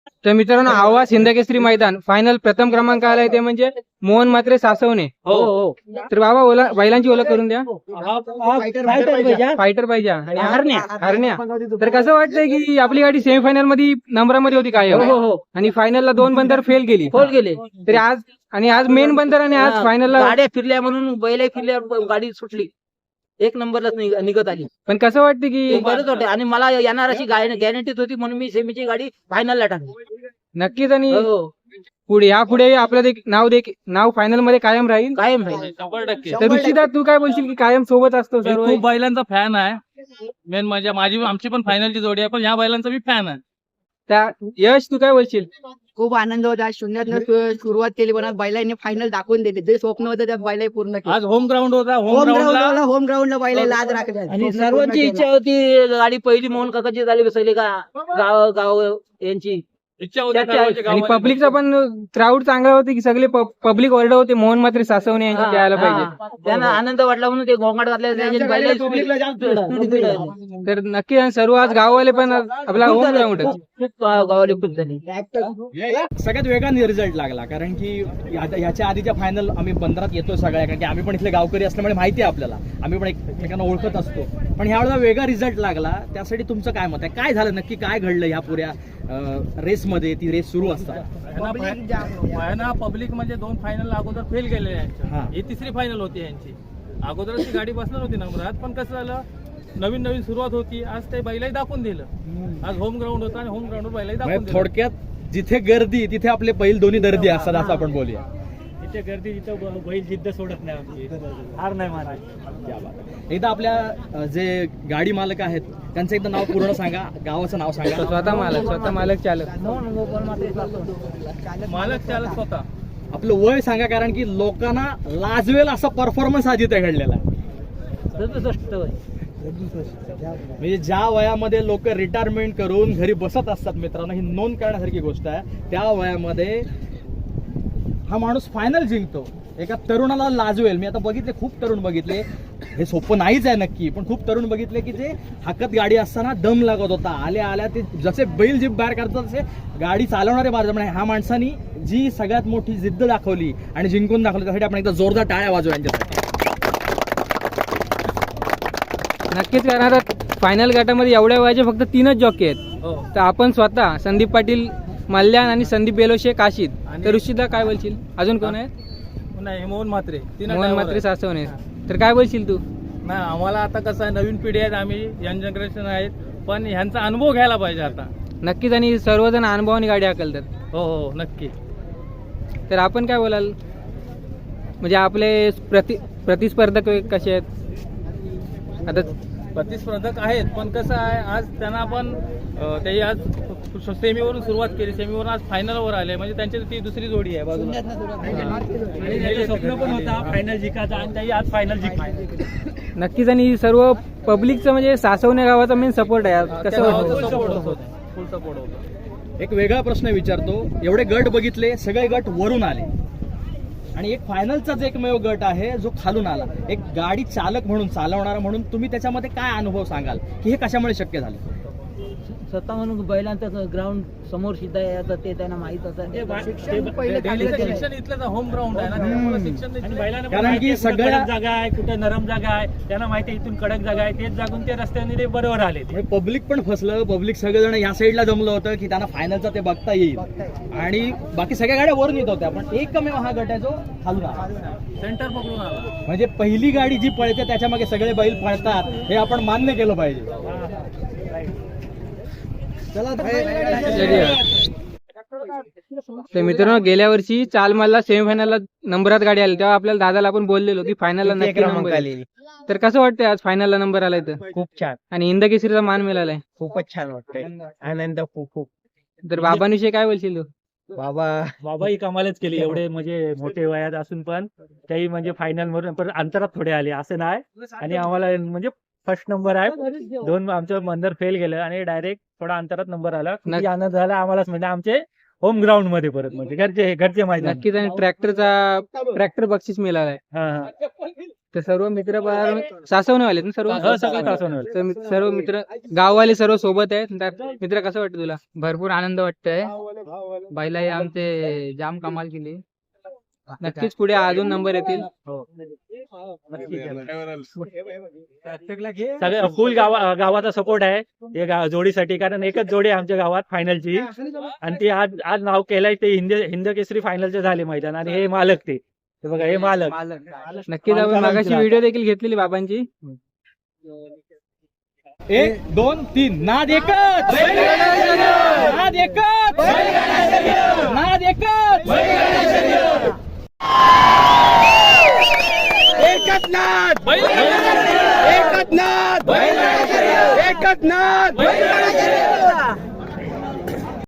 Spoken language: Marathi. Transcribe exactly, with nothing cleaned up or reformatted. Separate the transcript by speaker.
Speaker 1: तर मित्रांनो आवाज हिंदकेसरी मैदान फायनल प्रथम क्रमांक आलाय ते म्हणजे मोहन मात्रे सासवणे.
Speaker 2: हो हो
Speaker 1: तर बाबा ओला बैलांची ओळख करून द्या.
Speaker 2: फायटर
Speaker 1: फायटर पाहिजे आणि हा
Speaker 2: हरण्या.
Speaker 1: हरण्या. तर कसं वाटतंय की आपली गाडी सेमीफायनल मध्ये नंबरामध्ये होती काय
Speaker 2: हो हो
Speaker 1: आणि फायनलला दोन बंदर फेल गेली.
Speaker 2: खोल गेले
Speaker 1: तरी आज आणि आज मेन बंदर आणि आज फायनलला
Speaker 2: गाड्या फिरल्या म्हणून बैल फिरल्या गाडी सुटली एक नंबरलाच निघ- निघत आली.
Speaker 1: पण कसं वाटतं की
Speaker 2: बरंच होते आणि मला येणार अशी गॅरंटीच होती म्हणून मी सेमीची गाडी फायनलला टाकली.
Speaker 1: नक्कीच आणि
Speaker 2: हो
Speaker 1: पुढे या पुढे आपलं दे- नाव दे नाव फायनल मध्ये कायम राहील.
Speaker 2: कायम राहील.
Speaker 3: शंभर टक्के
Speaker 1: तर ऋषिदा तू काय बोलशील की कायम सोबत असतो
Speaker 3: मी
Speaker 1: सर्व.
Speaker 3: खूप बैलांचा फॅन आहे. मेन म्हणजे माझी आमची पण फायनलची जोडी आहे, पण ह्या बैलांचा मी फॅन आहे.
Speaker 1: त्या यश तू काय बोलशील.
Speaker 4: खूप आनंद होता. शून्यातनं सु- सुरुवात केली पण आज बैलांनी फायनल दाखवून दिले. जे स्वप्न होतं त्या बैलांनी पूर्ण केलं.
Speaker 3: आज होम ग्राउंड होता. होम
Speaker 4: होम
Speaker 3: ग्राउंडला
Speaker 4: ग्राउंडला होम ग्राउंडला बैला लाज राखत
Speaker 2: आणि सर्वांची इच्छा होती गाडी पहिली मोहन काकाची झाली बसवली का गाव गाव यांची
Speaker 3: इच्छा होती
Speaker 2: त्याच्या-
Speaker 3: सर्वांच्या
Speaker 1: आणि
Speaker 3: गावामध्ये.
Speaker 1: पब्लिकचा पण क्राऊड चांगला होते की सगळे पब्लिक ऑर्डर होते मोहन मात्रे सासवणे यांची यायला पाहिजे.
Speaker 2: हा. त्यांना आनंद वाटला म्हणून ते गोंगाट घातले त्याच्या बैलाला speed- speed- speed आहे.
Speaker 1: तर नक्की आणि सर्व आज गाववाले पण आपला होम ग्राउंड
Speaker 2: खूप खूप गावाला खूप झाली.
Speaker 5: सगळ्यात वेगाने रिझल्ट लागला कारण की या- ह्याच्या आधीच्या फायनल आम्ही बंदरात येतो सगळ्या कारण की आम्ही पण इथले गावकरी असल्यामुळे माहिती आहे आपल्याला, आम्ही पण एकमेकांना ओळखत असतो. पण ह्यावेळेला वेगळा रिझल्ट लागला, त्यासाठी तुमचं काय मत आहे? काय झालं नक्की, काय घडलं ह्या पुऱ्या रेसमध्ये? ती रेस सुरू असतात
Speaker 3: पब्लिक म्हणजे दोन फायनल अगोदर फेल गेलेले
Speaker 5: हा.
Speaker 3: यांच्या. ही तिसरी फायनल होती यांची. अगोदर ती गाडी बसणार होती नंबरात, पण कसं झालं नवीन नवीन सुरुवात होती. आज ते बैलाही दाखवून दिलं. आज होम ग्राउंड होता आणि होम ग्राउंडवर बैलाही दाखवून
Speaker 5: म्हणजे
Speaker 3: दिलं.
Speaker 5: थोडक्यात जिथे गर्दी तिथे आपले बैल दोन्ही दर्दी असतात असं आपण बोलूया.
Speaker 3: इथे गर्दी इथं बैल जिद्द सोडत नाही आमची. हार नाही मानायची.
Speaker 5: क्या बात आहे. एकदा आपल्या अ, जे गाडी मालक आहेत त्यांचं एकदा नाव पूर्ण सांगा, गावाचं नाव सांगा.
Speaker 1: स्वतः मालक स्वतः मालक चालक.
Speaker 3: मालक चालक स्वतः.
Speaker 5: आपलं वय सांगा कारण की लोकांना लाजवेल असा परफॉर्मन्स आज इथे घडलेला आहे.
Speaker 2: सदुसष्ट वय.
Speaker 5: म्हणजे ज्या वयामध्ये लोक रिटायरमेंट करून घरी बसत असतात मित्रांनो, ही नोंद करण्यासारखी गोष्ट आहे. त्या वयामध्ये हा माणूस फायनल जिंकतो. एका तरुणाला लाजवेल. मी आता बघितले, खूप तरुण बघितले, हे सोपं नाहीच आहे नक्की, पण खूप तरुण बघितले की जे हाकत गाडी असताना दम लागत होता. आल्या आल्या ते जसे बैल जीप बाहेर काढतात तसे गाडी चालवणारे बाहेर. म्हणजे ह्या माणसानी जी सगळ्यात मोठी जिद्द दाखवली आणि जिंकून दाखवली, त्यासाठी आपण एकदा जोरदार टाळ्या वाजवू यांच्यासाठी.
Speaker 1: नक्कीच कारण आता फायनल गटामध्ये एवढ्या वयाचे फक्त तीनच जॉकी आहेत.
Speaker 3: हो.
Speaker 1: तर आपण स्वतः संदीप पाटील मल्याण आणि संदीप बेलोशे काशीद. तर ऋषिदा काय बोलशील. अजून कोण आहे.
Speaker 3: नाही मोहन मात्रे. तीन
Speaker 1: मोहन
Speaker 3: driver
Speaker 1: मात्रे
Speaker 3: आहेत.
Speaker 1: सासवणे. तर काय बोलशील तू.
Speaker 3: नाही आम्हाला आता कसं आहे, नवीन पिढी आहेत, आम्ही यंग जनरेशन आहेत, पण ह्यांचा अनुभव घ्यायला पाहिजे आता.
Speaker 1: नक्कीच आणि सर्वजण अनुभवाने गाडी हाकलतात.
Speaker 3: हो हो नक्की.
Speaker 1: तर आपण काय बोलाल म्हणजे आपले प्रति प्रतिस्पर्धक कसे आहेत आता.
Speaker 3: प्रतिस्पर्धक आहेत, पण कसं आहे आज त्यांना पण अं, ते आज सेमीवरून सुरुवात केली, सेमीवरून आज फायनलवर आले, म्हणजे त्यांची ती दुसरी जोडी आहे बाजूला. आणि त्याचं स्वप्न पण होता फायनल जिंकायचा आणि त्याही आज फायनल जिंकली.
Speaker 1: नक्कीच आणि सर्व पब्लिकचं म्हणजे सासवणे गावाचा मेन सपोर्ट आहे. कसं वाटतं.
Speaker 3: सपोर्ट होता, फुल सपोर्ट होता.
Speaker 5: एक वेगळा प्रश्न विचारतो. एवढे गट बघितले, सगळे गट वरून आले आणि एक फायनलचाच एकमेव गट आहे जो खालून आला. एक गाडी चालक म्हणून, चालवणारा म्हणून तुम्ही त्याच्यामध्ये काय अनुभव सांगाल की हे कशामुळे शक्य झालं?
Speaker 2: स्वतः म्हणून बैलांचं ग्राउंड समोर सिद्ध आहे आता ते त्यांना माहित असं.
Speaker 3: डेलीचं शिक्षण इथलं होम ग्राउंड आहे ना, त्यामुळे शिक्षण इथलं-
Speaker 5: कारण की सगळ्या
Speaker 6: जागा आहे, कुठे नरम जागा आहे, त्यांना माहिती आहे इथून कडक जागा आहे, तेच जागून ते रस्त्याने ते बरोबर आले.
Speaker 5: पब्लिक पण फसलं. पब्लिक सगळेजण या साईडला जमलं होतं की त्यांना फायनलचा ते बघता येईल आणि बाकी सगळ्या गाड्या वरून येत होत्या, पण एकमेव हा गट आहे जो खालून आला.
Speaker 3: सेंटर पकडून आला.
Speaker 5: म्हणजे पहिली गाडी जी पळते त्याच्या मागे सगळे बैल पळतात हे आपण मान्य केलं पाहिजे.
Speaker 1: तर मित्रांनो गेल्या वर्षी चालमालला सेमीफायनलला नंबरात गाडी आली तेव्हा आपल्याला दादाला आपण बोललेलो की फायनलला नक्की नंबर येईल. तर कसं वाटतंय आज फायनलला नंबर आलाय तर.
Speaker 6: खूप छान,
Speaker 1: आणि हिंदकेसरीचा मान मिळालाय.
Speaker 6: खूपच छान वाटतंय. आनंद खूप खूप.
Speaker 1: तर बाबांविषयी काय बोलशील तू.
Speaker 6: बाबा बाबा ही कमालच केली. एवढे म्हणजे मोठे वयात असून पण त्याही म्हणजे फायनल मधून पण अंतरात थोडे आले असं नाही. आणि आम्हाला म्हणजे फर्स्ट नंबर आहे. दोन आमचं बंदर फेल गेलं आणि डायरेक्ट थोडा अंतरात नंबर आला. खूप आनंद झाला आम्हालाच. म्हणजे आमचे होम ग्राउंड मध्ये परत म्हणजे घरचे घरचे माहिती.
Speaker 1: नक्कीच आणि ट्रॅक्टरचा ट्रॅक्टर बक्षीस मिळालाय.
Speaker 6: हा हा
Speaker 1: तर सर्व मित्र सासवणे वाले ना सर्व
Speaker 6: हो, सगळे सासवणेवाले.
Speaker 1: तर मित्र- सर्व मित्र गाववाले सर्व सोबत आहेत तर मित्र कसं वाटतं तुला?
Speaker 4: भरपूर आनंद वाटतोय. बैला हे आमचे जाम कमाल केली.
Speaker 1: नक्कीच पुढे अजून नंबर येतील.
Speaker 6: सगळे फुल गावा गावाचा सपोर्ट आहे या गा- जोडीसाठी, कारण एकच जोडी आहे आमच्या गावात फायनलची आणि ती आज आज नाव केलंय ते हिंद हिंद केसरी फायनलचे झाले मैदान आणि हे मालक ते हे बघा हे मालक
Speaker 1: नक्कीच आपण मागाशी व्हिडिओ देखील घेतलेली बाबांची.
Speaker 5: एक दोन तीन नाद एकच नाद एकच नाद एकच एकच नाद एकच नाद एकच नाद